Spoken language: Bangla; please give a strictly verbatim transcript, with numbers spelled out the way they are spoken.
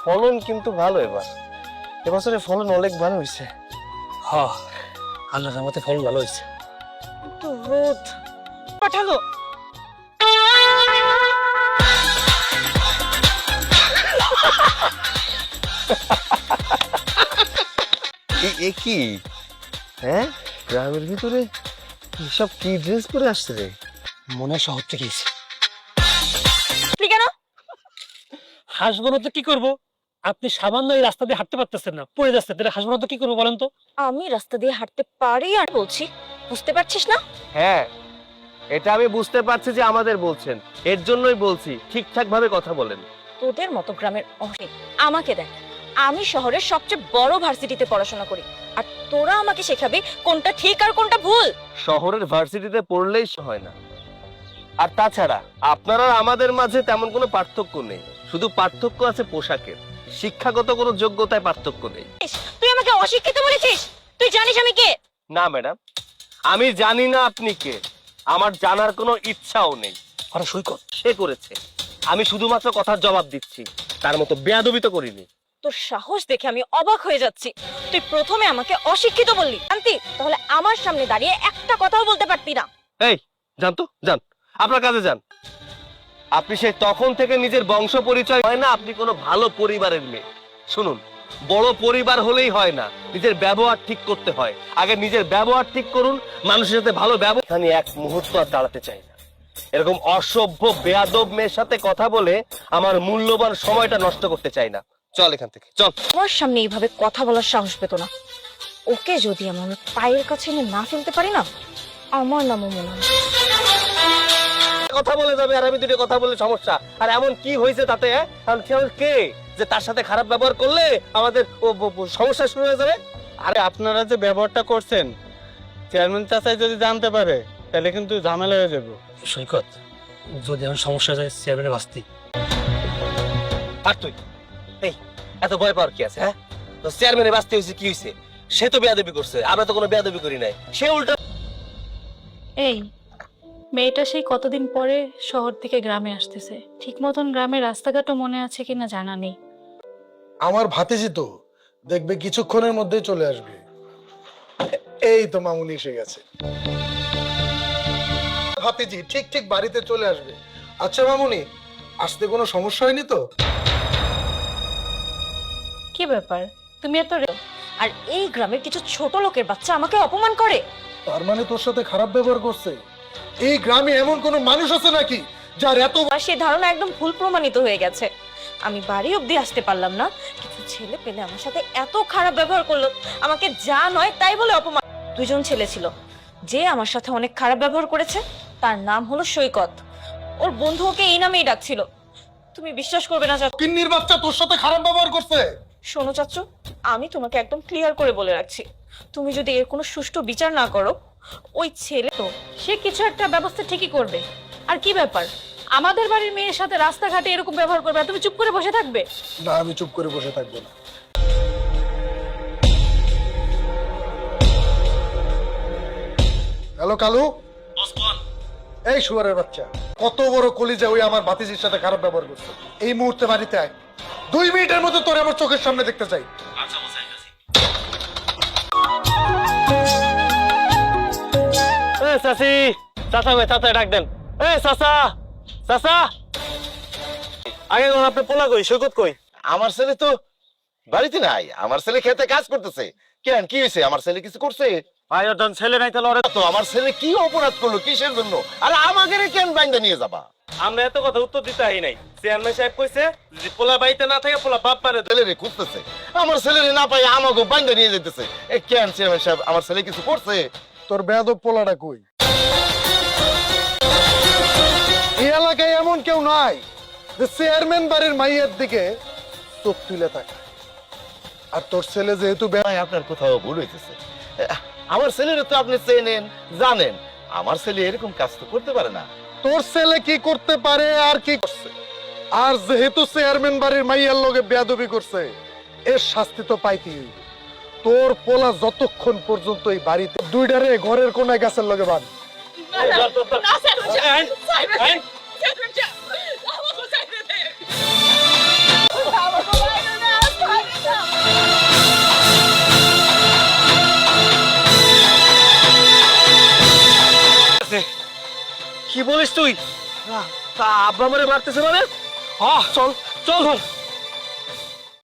ফলন কিন্তু ভালো এবার, এবছরে ফলন অনেক ভালো হয়েছে। হ্যাঁ, আল্লাহর রহমতে ফলন ভালো হয়েছে। তো রোদ পাঠালো। এ কি হ্যাঁ, গ্রামের ভিতরে সব কি ড্রেস পরে আসছে রে? মনে হয় শহর থেকে এসেছি। তুই কেন হাসবো না তো কি করবো? আপনি সামান্য এই রাস্তা দিয়ে হাঁটতে পারতেছেন না, পড়ে যাচ্ছে, তাহলে হাসবো না তো কি করবো বলেন তো? আমি রাস্তা দিয়ে হাঁটতে পারি আর বলছি, বুঝতে পারছিস না? হ্যাঁ, এটা আমি বুঝতে পারছি যে আমাদের বলছেন, এর জন্যই বলছি ঠিকঠাক ভাবে কথা বলেন। তোদের মতো গ্রামের অনেক, আমাকে দেখ, আমি শহরের সবচেয়ে বড় ভার্সিটিতে পড়াশোনা করি, আর তোরা আমাকে শেখাবি কোনটা ঠিক আর কোনটা ভুল। শহরের ভার্সিটিতে পড়লেই হয় না, আর তাছাড়া আপনারা আমাদের মাঝে তেমন কোনো পার্থক্য নেই, শুধু পার্থক্য আছে পোশাকের, শিক্ষাগত কোনো যোগ্যতায় পার্থক্য নেই। তুই আমাকে অশিক্ষিত বলেছিস? তুই জানিস আমি কে? না ম্যাডাম, আমি জানি না আপনি কে, আমার জানার কোনো ইচ্ছাও নেই। আরে সৈকত, সে করেছে, আমি শুধুমাত্র কথার জবাব দিচ্ছি, তার মতো বেয়াদবি তো করিনি। তোর সাহস দেখে আমি অবাক হয়ে যাচ্ছি। তুই প্রথমে আমাকে অশিক্ষিত বললি, শান্তি, তাহলে আমার সামনে দাঁড়িয়ে একটা কথাও বলতে পারতি না। এই যান তো, যান আপনার কাজে যান। আপনি সে তখন থেকে নিজের বংশ পরিচয় হয় না আপনি কোনো ভালো পরিবারের মেয়ে। শুনুন, বড় পরিবার হলেই হয় না, নিজের ব্যবহার ঠিক করতে হয়। আগে নিজের ব্যবহার ঠিক করুন, মানুষের সাথে ভালো ব্যবহার। আমি এক মুহূর্ত আর দাঁড়াতে চাই না, এরকম অসভ্য বেয়াদব মেয়ের সাথে কথা বলে আমার মূল্যবান সময়টা নষ্ট করতে চাই না। চল এখান থেকে চল। আমার সামনে এইভাবে কথা বলার সাহস পেত না। ওকে যদি আমার পায়ের কাছে এনে না ফেলতে পারি না, আমার নামও মনে হয়। কথা বলে যাবে আর আমি দুটো কথা বলে সমস্যা, আর এমন কি হয়েছে তাতে? কারণ সে আমার কে যে তার সাথে খারাপ ব্যবহার করলে আমাদের সমস্যা শুরু হয়ে যাবে? আরে আপনারা যে ব্যবহারটা করছেন, চেয়ারম্যান চাচাই যদি জানতে পারে তাহলে কিন্তু ঝামেলা হয়ে যাবে। সৈকত, যদি এমন সমস্যা যায় চেয়ারম্যানের বাস্তি। আর তুই এই এত ভয় পাওয়ার কি আছে? হ্যাঁ, তো চেয়ারম্যানের বাঁচতে হয়েছে কি হয়েছে? সে তো বেয়াদবি করছে, আমরা তো কোনো বেয়াদবি করি নাই, সে উল্টা। এই মেয়েটা সেই কতদিন পরে শহর থেকে গ্রামে আসতেছে, ঠিক মতন গ্রামের রাস্তাঘাটও মনে আছে কিনা জানা নেই। আমার ভাতিজি তো দেখবে কিছুক্ষণের মধ্যেই চলে আসবে। এই তো মামুনি এসে গেছে। ভাতিজি ঠিক ঠিক বাড়িতে চলে আসবে। আচ্ছা মামুনি, আসতে কোনো সমস্যা হয়নি তো? কি ব্যাপার, তুমি এত রে- আর এই গ্রামের কিছু ছোট লোকের বাচ্চা আমাকে অপমান করে। তার মানে তোর সাথে খারাপ ব্যবহার করছে? এই গ্রামে এমন কোনো মানুষ আছে নাকি যার এত আর সেই ধারণা একদম ভুল প্রমাণিত হয়ে গেছে। আমি বাড়ি অবধি আসতে পারলাম না, কিছু ছেলে পেলে আমার সাথে এত খারাপ ব্যবহার করলো, আমাকে যা নয় তাই বলে অপমান। দুজন ছেলে ছিল, যে আমার সাথে অনেক খারাপ ব্যবহার করেছে তার নাম হলো সৈকত, ওর বন্ধু ওকে এই নামেই ডাকছিল। তুমি বিশ্বাস করবে না চাচু, কিন্নির বাচ্চা তোর সাথে খারাপ ব্যবহার করছে? শোনো চাচু, আমি তোমাকে একদম ক্লিয়ার করে বলে রাখছি, তুমি যদি এর কোনো সুষ্ঠু বিচার না করো, ওই ছেলে তো সে কিছু একটা ব্যবস্থা ঠিকই করবে। আর কি ব্যাপার, আমাদের বাড়ির মেয়ের সাথে রাস্তাঘাটে এরকম ব্যবহার করবে আর তুমি চুপ করে বসে থাকবে? না, আমি চুপ করে বসে থাকবো না। হ্যালো কালু। এই শুয়ারের বাচ্চা, কত বড় কলিজা ওই আমার ভাতিজির সাথে খারাপ ব্যবহার করছে। এই মুহূর্তে বাড়িতে আয়, দুই মিনিটের মধ্যে তোরে আমার চোখের সামনে দেখতে চাই। এই চাচি, চাচা ভাই, চাচা ডাক দেন। এই চাচা, চাচা, আগে কোন আপনি পোলা কই, সৈকত কই? আমার ছেলে তো বাড়িতে নাই, আমার ছেলে খেতে কাজ করতেছে। কেন, কি হয়েছে? আমার ছেলে কিছু করছে? ভাই ওর যখন ছেলে নাই তাহলে ওরে তো আমার ছেলে কি অপরাধ করলো, কিসের জন্য? আরে আমাকে কেন বাইন্দা নিয়ে যাবা? আমরা এত কথা উত্তর দিতে আই নাই। চেয়ারম্যান সাহেব কইছে যদি পোলা বাড়িতে না থাকে পোলা বাপ মারে দেবে। ছেলেরে খুঁজতেছে, আমার ছেলেরে না পাই আমাকে বাইন্দা নিয়ে যেতেছে। এ কেন চেয়ারম্যান সাহেব, আমার ছেলে কিছু করছে? তোর বেয়াদব পোলাটা কই? এই এলাকায় এমন কেউ নাই যে চেয়ারম্যান বাড়ির মাইয়ের দিকে চোখ তুলে থাকে। আর তোর ছেলে যেহেতু বে- ভাই, আপনার কোথাও ভুল হইতেছে। আমার ছেলেরে তো আপনি চেনেন, জানেন, আমার ছেলে এরকম কাজ তো করতে পারে না। তোর ছেলে কি করতে পারে আর কি করছে? আর যেহেতু চেয়ারম্যান বাড়ির মাইয়ার লগে বেয়াদবি করছে, এর শাস্তি তো পাইতেই হইবে। তোর পোলা যতক্ষণ পর্যন্ত এই বাড়িতে দুইটারে ঘরের কোনায় গাছের লগে বাঁধ। কি বলিস তুই তা আব্বা আমারে মারতেছে মানে আহ চল চল চল